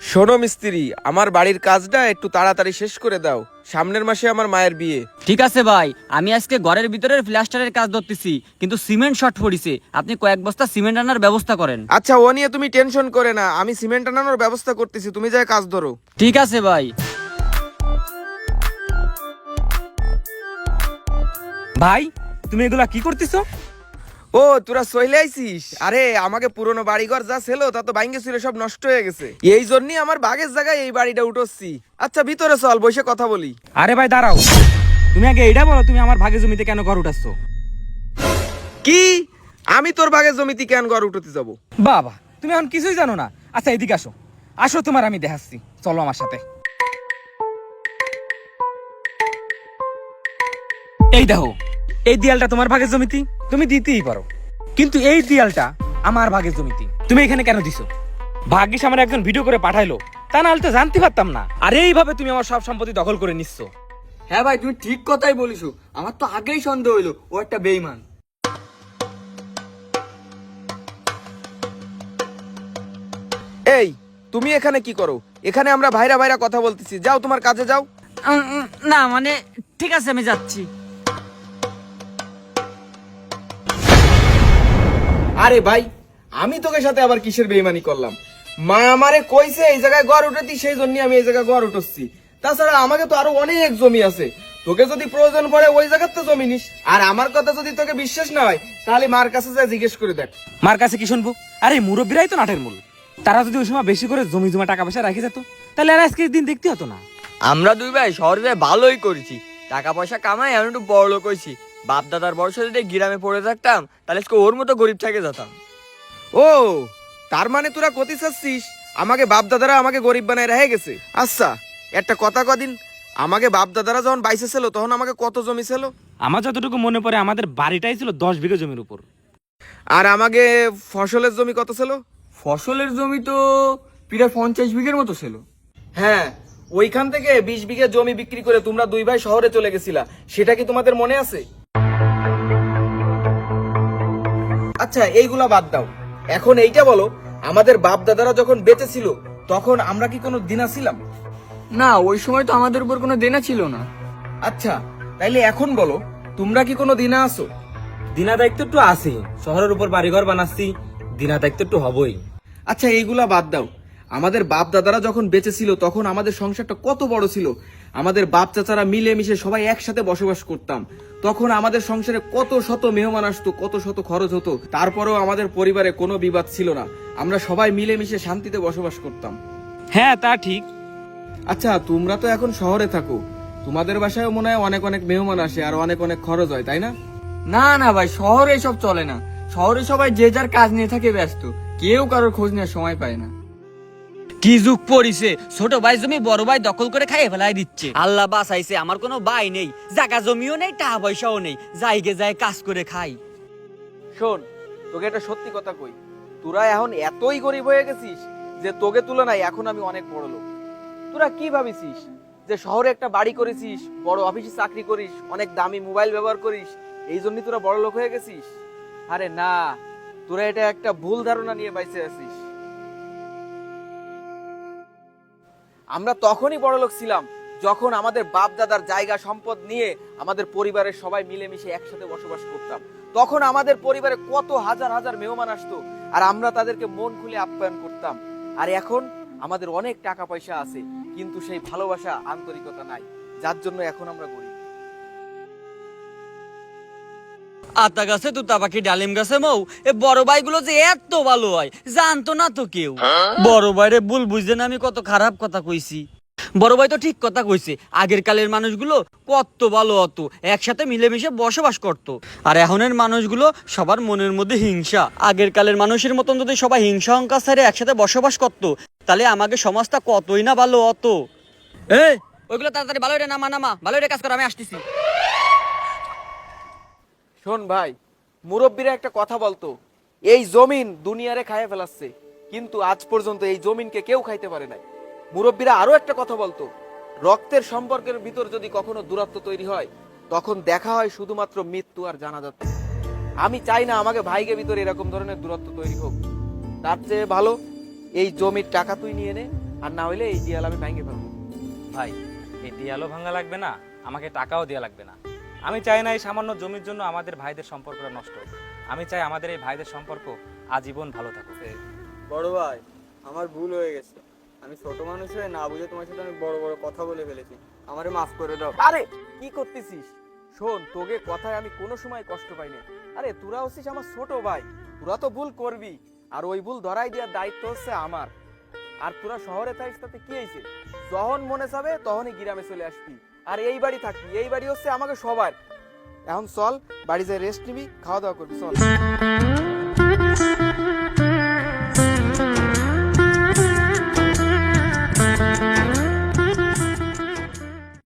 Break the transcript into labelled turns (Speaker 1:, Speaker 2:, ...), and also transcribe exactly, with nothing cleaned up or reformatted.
Speaker 1: শোনো মিস্ত্রি, আমার বাড়ির কাজটা একটু তাড়াতাড়ি শেষ করে দাও। সামনের মাসে আমার মায়ের বিয়ে।
Speaker 2: ঠিক আছে ভাই, আমি আজকে ঘরের ভিতরের প্লাস্টারের কাজ ধরতেছি, কিন্তু সিমেন্ট শর্ট পড়িছে। আপনি কয়েক বস্তা সিমেন্ট আনার ব্যবস্থা করেন।
Speaker 1: আচ্ছা, ও নিয়ে তুমি টেনশন করে না, আমি সিমেন্ট আনানোর ব্যবস্থা করতেছি, তুমি যাই কাজ ধরো।
Speaker 2: ঠিক আছে ভাই।
Speaker 3: ভাই, তুমি এগুলা কি করতেছো?
Speaker 1: ও তোরা চলে আইছিস? আরে আমাকে পুরনো বাড়িঘর যা ছিল তা তো ভাঙ্গে ছিল, সব নষ্ট হয়ে গেছে। এই জন্যই আমার বাগের জায়গায় এই বাড়িটা উঠোচ্ছি। আচ্ছা ভিতরে চল, বসে কথা বলি।
Speaker 3: আরে ভাই দাঁড়াও, তুমি আগে এইটা বলো, তুমি আমার ভাগে জমিতে কেন ঘর উঠাচ্ছ?
Speaker 1: কি? আমি তোর বাগের জমিতে কেন ঘর উঠতে যাব?
Speaker 3: বাবা, তুমি এখন কিছুই জানো না। আচ্ছা এদিকে আসো, আসো তোমার আমি দেখাচ্ছি, চলো আমার সাথে। এই দেখো, এই দেয়ালটা তোমার ভাগের জমিতে, তুমি দিতেই পারো, কিন্তু এই দেয়ালটা আমার ভাগের জমিতে তুমি এখানে কেন দিছো? ভাগ্যিস আমার একজন ভিডিও করে পাঠাইলো, তা না হলে তো জানতে পারতাম না। আর এইভাবে তুমি আমার সব সম্পত্তি দখল করে নিচ্ছ।
Speaker 4: হ্যাঁ ভাই, তুমি ঠিক কথাই বলিছো। আমার তো আগেই সন্দেহ হইলো ও একটা বেঈমান।
Speaker 1: এই তুমি এখানে কি করো? এখানে আমরা ভাইরা ভাইরা কথা বলতেছি, যাও তোমার কাজে যাও।
Speaker 2: উম, উম, না মানে ঠিক আছে, আমি যাচ্ছি।
Speaker 1: আরে ভাই, আমি তোকে সাথে আবার কিসের বেইমানি করলাম? মা আমারে কইছে এই জায়গায় ঘর উঠাতি, সেই জন্য আমি এই জায়গায় ঘর উঠছি। তাছাড়া আমাকে তো আরো অনেক জমি আছে, তোকে যদি প্রয়োজন পড়ে ওই জায়গাতে জমি নিস। আর আমার কথা যদি তোকে বিশ্বাস না হয়, তাহলে মার কাছে যা জিজ্ঞেস করে দেখ।
Speaker 3: মার কাছে কি শুনবো? আরে মুরব্বীরাই তো নাটের মূল। তারা যদি ওই সময় বেশি করে জমি জমা টাকা পয়সা রাখে যেত, তাহলে আর আজকের দিন দেখতে হতো না।
Speaker 4: আমরা দুই ভাই শহরে যাই ভালোই করেছি, টাকা পয়সা কামাই, এখন একটু বড় লোক হয়েছি। বাপ দাদার বয়স যদি গ্রামে পড়ে থাকতাম, তাহলে আজকে ওর মতো গরিব থেকে যেতাম।
Speaker 1: ও তার মানে তোরা কতি চাচ্ছিস আমাকে বাপ দাদারা আমাকে গরিব বানায় রেখে গেছে? আচ্ছা একটা কথা কদিন, আমাকে বাপ দাদারা যখন বাইসে ছিল তখন আমাকে কত জমি ছিল?
Speaker 3: আমার যতটুকু মনে পড়ে আমাদের বাড়িটাই ছিল দশ বিঘা জমির উপর।
Speaker 1: আর আমাকে ফসলের জমি কত ছিল?
Speaker 4: ফসলের জমি তো প্রায় পঞ্চাশ বিঘের মতো ছিল।
Speaker 1: হ্যাঁ, ওইখান থেকে বিশ বিঘা জমি বিক্রি করে তোমরা দুই ভাই শহরে চলে গেছিলা, সেটা কি তোমাদের মনে আছে? আচ্ছা এইগুলা বাদ দাও, এখন এইটা বলো, আমাদের বাপ দাদারা যখন বেঁচে ছিল তখন আমরা কি কোনো দিনা ছিলাম?
Speaker 4: না, ওই সময় তো আমাদের উপর কোনো দেনা ছিল না।
Speaker 1: আচ্ছা তাইলে এখন বলো, তোমরা কি কোনো দিনা আছো?
Speaker 3: দিনা দায়িত্ব একটু আছে, শহরের উপর বাড়িঘর বানাচ্ছি, দিনা দায়িত্ব একটু হবই।
Speaker 1: আচ্ছা এইগুলা বাদ দাও, আমাদের বাপ দাদারা যখন বেঁচে ছিল তখন আমাদের সংসারটা কত বড় ছিল। আমাদের বাপ চাচারা মিলে মিশে সবাই একসাথে বসবাস করতাম। তখন আমাদের সংসারে কত শত মেহমান আসতো, কত শত খরচ হতো, তারপরেও আমাদের পরিবারে কোনো বিবাদ ছিল না। আমরা সবাই মিলে মিশে শান্তিতে বসবাস করতাম।
Speaker 3: হ্যাঁ তা ঠিক।
Speaker 1: আচ্ছা তোমরা তো এখন শহরে থাকো, তোমাদের বাসায় মনে হয় অনেক অনেক মেহমান আসে আর অনেক অনেক খরচ হয়, তাই না?
Speaker 4: না না ভাই, শহরে এসব চলে না। শহরে সবাই যে যার কাজ নিয়ে থাকে ব্যস্ত, কেউ কারোর খোঁজ নেওয়ার সময় পায় না।
Speaker 2: কি যুগ পড়িছে, ছোট ভাই জমি বড় ভাই দখল করে খাইয়ে ফেলাই দিচ্ছে। আল্লাহ বাঁচাইছে, আমার কোনো ভাই নেই, জায়গা জমিও নেই, টাকা পয়সাও নেই, যাইগে যায় কাজ করে খাই।
Speaker 1: শোন, তোকে একটা সত্যি কথা কই, তোরা এখন এতই গরিব হয়ে গেছিস যে তোকে তুলনায় এখন আমি অনেক বড় লোক। তোরা কি ভাবিছিস যে শহরে একটা বাড়ি করেছিস, বড় অফিসে চাকরি করিস, অনেক দামি মোবাইল ব্যবহার করিস, এই জন্যই তোরা বড় লোক হয়ে গেছিস? আরে না, তোরা এটা একটা ভুল ধারণা নিয়ে বাইসে আছিস। আমরা তখনই বড় লোক ছিলাম যখন আমাদের বাপ দাদার জায়গা সম্পদ নিয়ে আমাদের পরিবারের সবাই মিলেমিশে একসাথে বসবাস করতাম। তখন আমাদের পরিবারে কত হাজার হাজার মেহমান আসতো আর আমরা তাদেরকে মন খুলে আপ্যায়ন করতাম। আর এখন আমাদের অনেক টাকা পয়সা আছে, কিন্তু সেই ভালোবাসা আন্তরিকতা নাই, যার জন্য এখন আমরা গরিব।
Speaker 2: আতা গাছে তুতা পাখি ডালিম গাছে মৌ, এ বড় ভাইগুলো যে এত ভালো হয় জানতো না তো কেউ। বড় ভাইরে ভুল বুঝতে না আমি কত খারাপ কথা কইছি। বড় ভাই তো ঠিক কথা কইছে, আগের কালের মানুষগুলো কত ভালো হতো, একসাথে মিলেমিশে বসবাস করতো। আর এখনের মানুষগুলো সবার মনের মধ্যে হিংসা। আগের কালের মানুষের মতন যদি সবাই হিংসা অহংকার ছেড়ে একসাথে বসবাস করতো, তাহলে আমাদের সমাজটা কতই না ভালো হতো। এই ওইগুলো তাড়াতাড়ি ভালো রে নামা নামা, ভালো রে কাজ কর, আমি আসতেছি।
Speaker 1: শোন ভাই, মুরব্বীরা একটা কথা বলতো, এই জমিন দুনিয়ারে খাইয়ে ফেলাচ্ছে, কিন্তু আজ পর্যন্ত এই জমিনকে কেউ খাইতে পারে নাই। মুরব্বীরা আরো একটা কথা বলতো, রক্তের সম্পর্কের ভিতর যদি কখনো দূরত্ব তৈরি হয়, তখন দেখা হয় শুধুমাত্র মৃত্যু আর জানাজাতে। আমি চাই না আমাকে ভাইকে ভিতরে এরকম ধরনের দূরত্ব তৈরি হোক। তার চেয়ে ভালো এই জমির টাকা তুই নিয়ে নে, আর না হইলে এই দেয়াল আমি ভেঙে ফেলবো।
Speaker 3: ভাই এই দেয়ালও ভাঙা লাগবে না, আমাকে টাকাও দেওয়া লাগবে না। আমি চাই না এই সামান্য জমির জন্য আমাদের ভাইদের সম্পর্কটা নষ্ট হোক। আমি চাই আমাদের এই ভাইদের সম্পর্ক আজীবন ভালো থাকুক।
Speaker 4: বড় ভাই, আমার ভুল হয়ে গেছে। আমি ছোট মানুষ হয়ে না বুঝে তোমার সাথে অনেক বড় বড় কথা বলে ফেলেছি, আমারে মাফ করে দাও।
Speaker 1: আরে কি করতেছিস? শোন, তোকে কথায় আমি কোনো সময় কষ্ট পাইনি। আরে তোরা হচ্ছিস আমার ছোট ভাই, তোরা তো ভুল করবি, আর ওই ভুল ধরাই দেওয়ার দায়িত্ব হচ্ছে আমার। আর তোরা শহরে থাকিস তাতে কি হয়েছে? যখন মনে চাবে তখনই গ্রামে চলে আসবি, আর এই বাড়ি থাকবি। এই বাড়ি হচ্ছে আমাকে সবার। এখন চল বাড়ি যায় রেস্ট নিবি, খাওয়া দাওয়া করবি, চল।